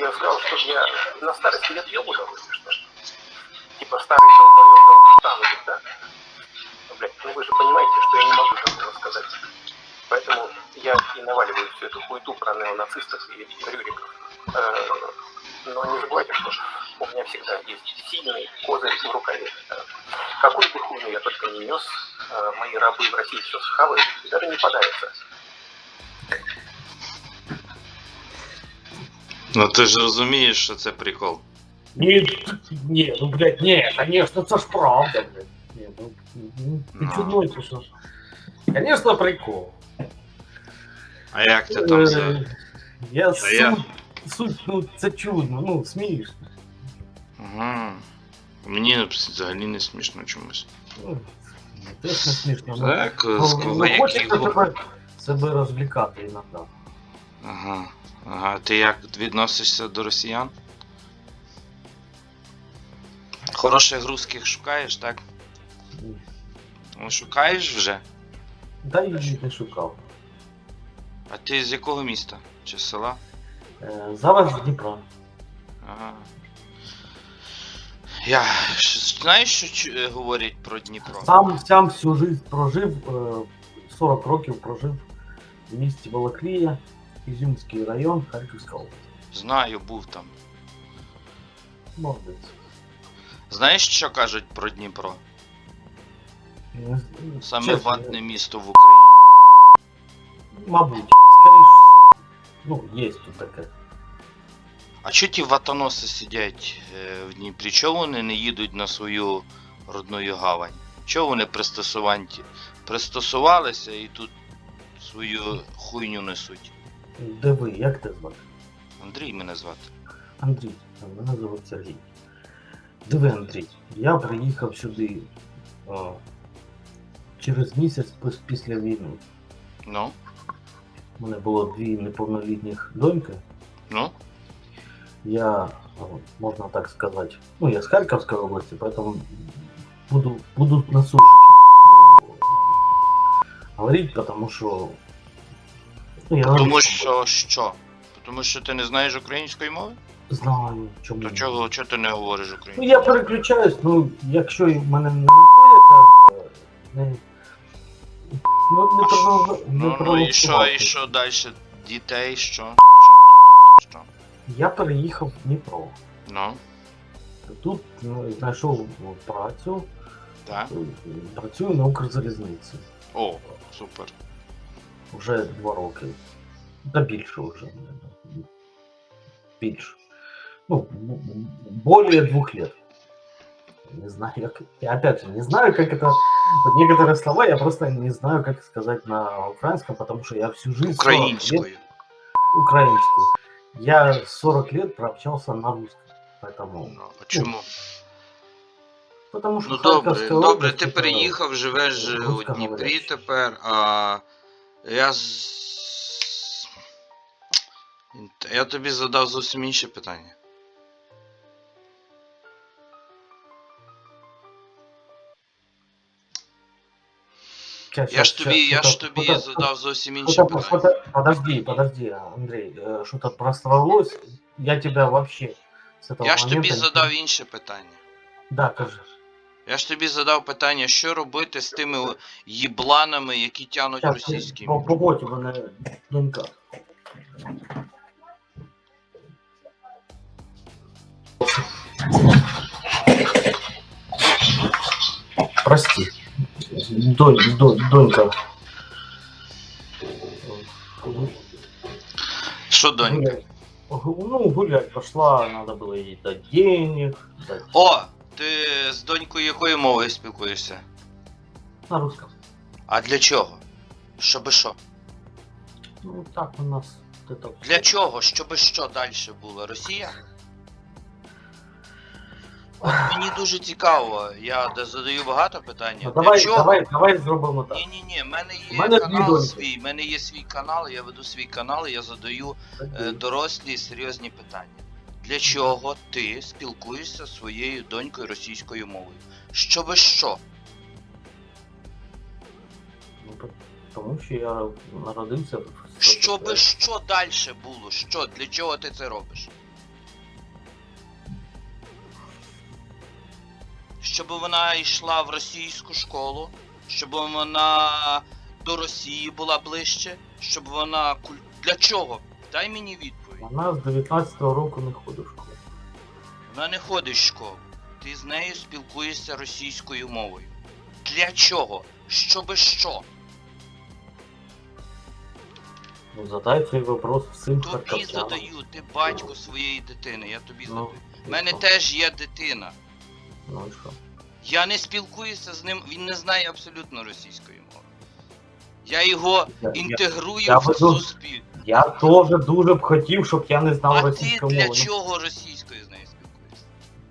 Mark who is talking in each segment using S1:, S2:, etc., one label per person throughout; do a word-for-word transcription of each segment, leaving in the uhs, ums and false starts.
S1: я сказал, что я на старости лет ел удовольствие, что ли? Типа старый долбоёб дал штангу, да? Ну, блядь, ну вы же понимаете, что я не могу такого сказать. Поэтому я и наваливаю всю эту хуету про неонацистов и рюриков. Но не забывайте, что у меня всегда есть сильный козырь в рукаве. Какую бы хуйню я только не нес, мои рабы в России все схавают и даже не подавятся.
S2: Ну ти ж розумієш, що це прикол.
S3: Ні, ні, ну блядь, ні, конечно, це ж правда, блядь. Ні, ну, ну ти
S2: Ну.
S3: чудной, ти що? Конечно, прикол.
S2: А як ти там за.
S3: Е, Я
S2: Та я-
S3: суть, суть, ну це чудно, ну смішно.
S2: Ага. Мені взагалі не смішно чомусь.
S3: Ну, теж не смішно. ну,
S2: Так,
S3: Ну,
S2: з
S3: ну,
S2: вояків.
S3: хочеться себе, себе розвлікати іноді.
S2: Ага. Ага. Ти як відносишся до росіян? Хороших русських шукаєш, так? Ну, шукаєш вже?
S3: Та й їх не шукав.
S2: А ти з якого міста? Чи з села?
S3: Е, Зараз з Дніпра.
S2: Ага. Я Ш- знаєш, що чу- е, говорять про Дніпро?
S3: Сам, сам всю жизнь прожив, е, сорок років прожив в місті Балаклія, Ізюмський район, Харківська область.
S2: Знаю, був там.
S3: Молодець.
S2: Знаєш, що кажуть про Дніпро?
S3: Не з-
S2: Саме
S3: чесно,
S2: ватне місто в Україні.
S3: Мабуть, скоріше. Ну, є тут таке.
S2: А чого ті ватоноси сидять е, в Дніпрі? Чого вони не їдуть на свою родну гавань? Чого вони пристосуванті? Пристосувалися і тут свою хуйню несуть.
S3: Де ви? Як тебе звати?
S2: Андрій мене звати.
S3: Андрій. А мене звуть Сергій. Диви, Андрій, я приїхав сюди а, через місяць пос- після війни.
S2: Ну?
S3: У мене було дві неповнолітніх доньки.
S2: Ну?
S3: Я, а, можна так сказати, ну я з Харківської області, поэтому буду, буду на суржике ну, говорить, потому что... Ну, я
S2: Тому
S3: говорю,
S2: що що? Тому що ти не знаєш української мови?
S3: знаю, чому.
S2: То чого, чого ти не говориш
S3: Ну
S2: українською?
S3: я переключаюсь, ну якщо в мене не знаходиться, не... Ну, не про...
S2: Ну, ну і що, і що далі? Дітей, що? Що? Що?
S3: Я переїхав в Дніпро.
S2: Ну,
S3: Тут ну, знайшов працю,
S2: так?
S3: працюю на Укрзалізниці.
S2: О, супер.
S3: Вже два роки. Та більше вже. Більше. Ну, более двух лет. Не знаю, как... Я опять же не знаю, как это... Вот некоторые слова я просто не знаю, как сказать на украинском, потому что я всю жизнь... сорок лет-
S2: Українською.
S3: Украинскую. Я сорок лет прообщался на русском. Поэтому...
S2: Ну, а чому?
S3: Потому что
S2: Ну добре,
S3: Харьковская
S2: добре,
S3: область
S2: ти
S3: это
S2: переїхав, живеш у
S3: русскоговорящий.
S2: Дніпрі тепер, а я з... Я тобі задав зовсім інше питання.
S3: Щас,
S2: Я
S3: щас,
S2: ж тобі,
S3: щас,
S2: я ж
S3: что-то-
S2: тобі
S3: что-то-
S2: задав зовсім інше
S3: что-то-
S2: питання.
S3: что-то- Подожди, подожди, Андрей, э, что-то просралось. Я тебя вообще с этого
S2: Я ж тобі
S3: момента...
S2: задав інше питання.
S3: Да, кажи.
S2: Я ж тобі задав питання, що робити з тими їбланами, які тянуть
S3: Сейчас,
S2: російські.
S3: по, по боті мене донька. Прости. Донь, донь, донька.
S2: Що, донька?
S3: Гулять. Ну, гулять пошла, надо было ей дать денег. Дать...
S2: О, ти з донькою якою мовою спілкуєшся?
S3: На русском.
S2: А для чого? Щоби що?
S3: Ну, так у нас... вот это
S2: Для чого? Щоби що далі було? Росія? От мені дуже цікаво, я де задаю багато питань.
S3: Ну,
S2: Для
S3: давай,
S2: чого?
S3: давай, давай зробимо так.
S2: Ні, ні, ні, в мене
S3: У
S2: є
S3: мене дві
S2: канал
S3: доньки.
S2: свій, в мене є свій канал, я веду свій канал, і я задаю е, дорослі серйозні питання. Для чого ти спілкуєшся зі своєю донькою російською мовою? Щоби що?
S3: Ну, по- тому що я народився в
S2: Щоби що далі було? Що? Для чого ти це робиш? щоб вона йшла в російську школу, щоб вона до Росії була ближче, щоб вона куль... Для чого? Дай мені відповідь.
S3: Вона з дев'ятнадцятого року не ходить в школу.
S2: Вона не ходить в школу. Ти з нею спілкуєшся російською мовою. Для чого? Щоби що?
S3: Ну, задай цей вопрос всім
S2: Тобі
S3: харків'янам.
S2: задаю, ти батько своєї дитини, я тобі
S3: Ну,
S2: задаю.
S3: і
S2: У мене
S3: що?
S2: теж є дитина.
S3: Ну і що?
S2: Я не спілкуюся з ним, він не знає абсолютно російської мови. Я його
S3: Я- я-
S2: інтегрую
S3: я
S2: в
S3: веду-
S2: суспільство.
S3: Я теж дуже б хотів, щоб я не знав
S2: А ти
S3: російську
S2: для
S3: мову. Ну,
S2: чого російською з нею спілкуєшся?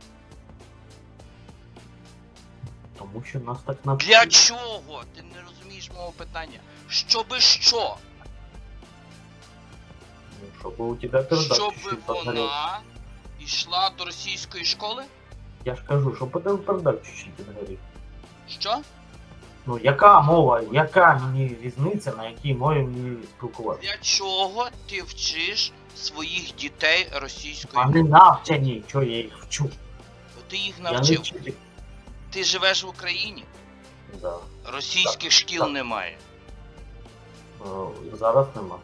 S3: Тому що нас так навчили.
S2: Для чого? Ти не розумієш мого питання. Щоби що?
S3: Ну, щоб у тебе передача
S2: Щоби
S3: чуть-чуть подгорела.
S2: вона йшла до російської школи?
S3: Я ж кажу, щоб у тебе передача чуть-чуть підгорів.
S2: Що?
S3: Ну, яка мова, яка мені різниця, на якій мові мені спілкуватися?
S2: Для чого ти вчиш своїх дітей російською
S3: Вони
S2: мовою?
S3: навчені, що я їх вчу.
S2: Бо ти їх
S3: Я не
S2: навчив.
S3: вчитель.
S2: Ти живеш в Україні,
S3: Да.
S2: російських шкіл
S3: так.
S2: немає.
S3: Е, Зараз нема.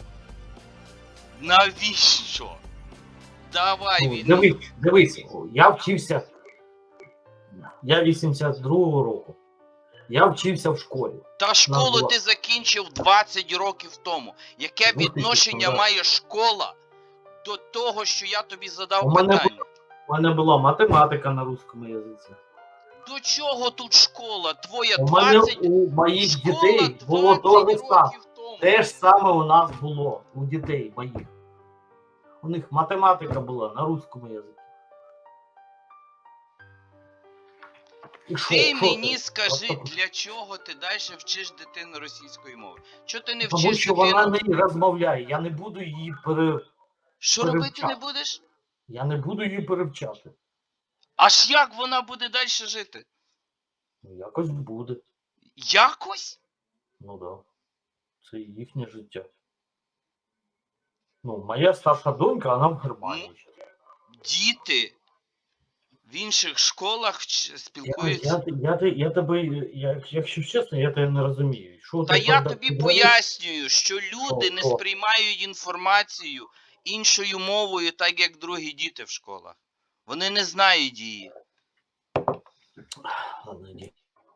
S2: Навіщо? Давай
S3: Ну,
S2: він.
S3: дивись, дивись, я вчився. Я вісімдесят другого року. Я вчився в школі.
S2: Та школу
S3: була-
S2: ти закінчив двадцять років тому. Яке
S3: Ну, ти
S2: відношення
S3: що, да.
S2: має школа до того, що я тобі задав
S3: У мене
S2: питання?
S3: У мене була математика на русскому язиці.
S2: До чого тут школа? Твоя
S3: У мене
S2: двадцять
S3: у моїх
S2: школа
S3: дітей було
S2: двадцять
S3: те ж саме.
S2: років тому.
S3: Те ж саме у нас було у дітей моїх. У них математика була на русскому язиці. І що?
S2: Ти
S3: Що
S2: мені
S3: це?
S2: скажи,
S3: Просто-
S2: для чого ти далі вчиш дитину російської мови? Чого ти не
S3: Тому
S2: вчиш
S3: що
S2: дитину?
S3: вона не розмовляє. Я не буду її пере...
S2: Що робити
S3: перевчати.
S2: не будеш?
S3: Я не буду її перевчати.
S2: Аж як вона буде далі жити?
S3: Ну, якось буде.
S2: Якось?
S3: Ну да. Це їхнє життя. Ну, моя старша донька, вона в Германії.
S2: Діти в інших школах вч-
S3: Я,
S2: спілкуються.
S3: я, я, я, я тебе, я, якщо чесно, я тебе не розумію. Що
S2: Та
S3: ти
S2: я
S3: переда-
S2: тобі
S3: говориш?
S2: пояснюю, що люди
S3: Що,
S2: не
S3: що?
S2: сприймають інформацію іншою мовою, так як другі діти в школах. Вони не знають її.
S3: Ладно, иди.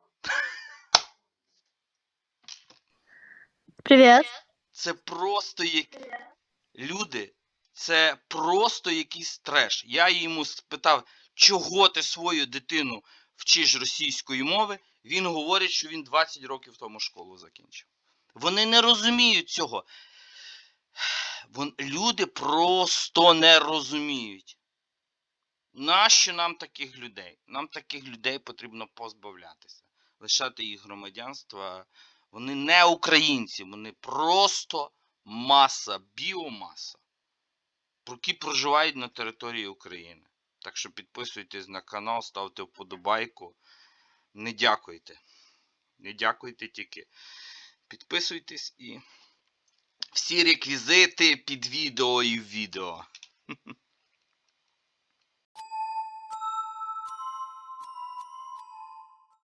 S4: Привет.
S2: Це просто як... Люди, це просто якийсь треш. Я йому спитав, чого ти свою дитину вчиш російської мови, він говорить, що він двадцять років тому школу закінчив. Вони не розуміють цього. Вон, люди просто не розуміють. Нащо нам таких людей? Нам таких людей потрібно позбавлятися. Лишати їх громадянства. Вони не українці, вони просто маса, біомаса, які проживають на території України. Так що підписуйтесь на канал, ставте вподобайку. Не дякуйте. Не дякуйте тільки. Підписуйтесь і всі реквізити під відео і в відео.